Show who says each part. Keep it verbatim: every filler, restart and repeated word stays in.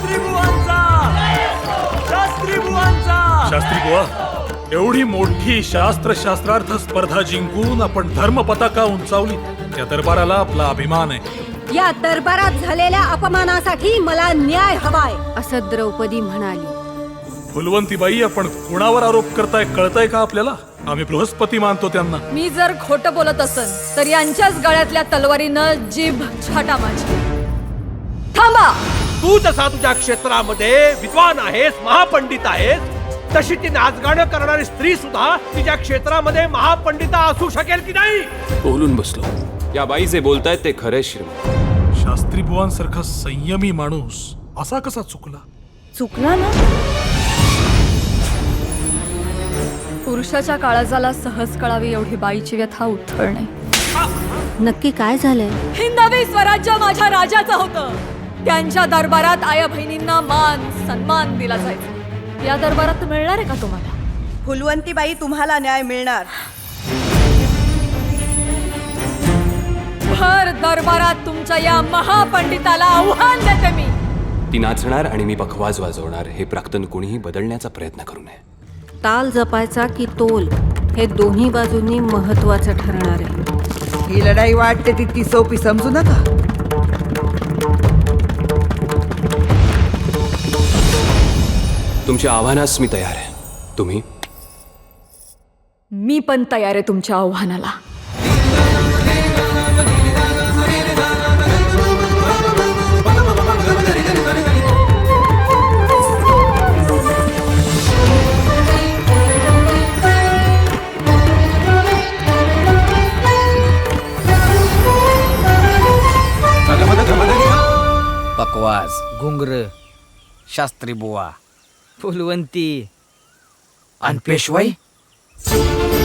Speaker 1: शास्त्री बुवांचा शास्त्री बुवांचा
Speaker 2: शास्त्री बुवा, एवढी मोठी शास्त्र शास्त्रार्थ स्पर्धा जिंकून आपण धर्म पताका उंचावली, या दरबाराला आपला अभिमान आहे.
Speaker 3: या दरबारात झालेल्या अपमानासाठी मला न्याय हवाय, असं द्रौपदी म्हणाली.
Speaker 2: फुलवंतीबाई, आपण कुणावर आरोप करताय कळताय का आपल्याला? आम्ही बृहस्पती मानतो त्यांना.
Speaker 4: मी जर खोटं बोलत असन तर यांच्याच गळ्यातल्या तलवारीनं जीभ छाटा माझी. थांबा.
Speaker 1: तू जसा तुझ्या क्षेत्रामध्ये विद्वान आहेस, महापंडित आहेस, तशी ती नाचगाणं करणारी स्त्री सुद्धा तिच्या क्षेत्रामध्ये महापंडिता असू शकेल की नाही?
Speaker 5: बोलून बसलो. या बाई जे बोलतायत ते खरे श्रीमंत.
Speaker 2: शास्त्री बुवांसारखा संयमी माणूस असा कसा चुकला?
Speaker 4: चुकला ना. पुरुषाच्या काळजाला सहज कळावी एवढी बाईची व्यथा उथळणे.
Speaker 3: नक्की काय झालंय?
Speaker 4: हिंदवी स्वराज्य माझ्या राजाचं होतं. त्यांच्या दरबारात आया बहिणींना मान सन्मान दिला जायचा. या दरबारात मिळणार आहे का तुम्हाला?
Speaker 6: फुलवंतीबाई, तुम्हाला न्याय मिळणार.
Speaker 4: भर दरबारात तुमच्या या महापंडिताला आव्हान देते मी.
Speaker 5: ती नाचणार आणि मी बखवाज वाजवणार, हे प्राक्तन कुणीही बदलण्याचा प्रयत्न करू नये.
Speaker 3: ताल जपायचा की तोल, हे दोन्ही बाजूंनी महत्वाचं ठरणार आहे.
Speaker 6: ही लढाई वाटते तितकी सोपी समजू नका.
Speaker 5: तुमच्या आव्हानास मी तयार आहे. तुम्ही?
Speaker 4: मी पण तयार आहे तुमच्या आव्हानाला.
Speaker 7: बकवास, घुंगर, शास्त्री बुवा, फुलवंती आणि पेशवाई.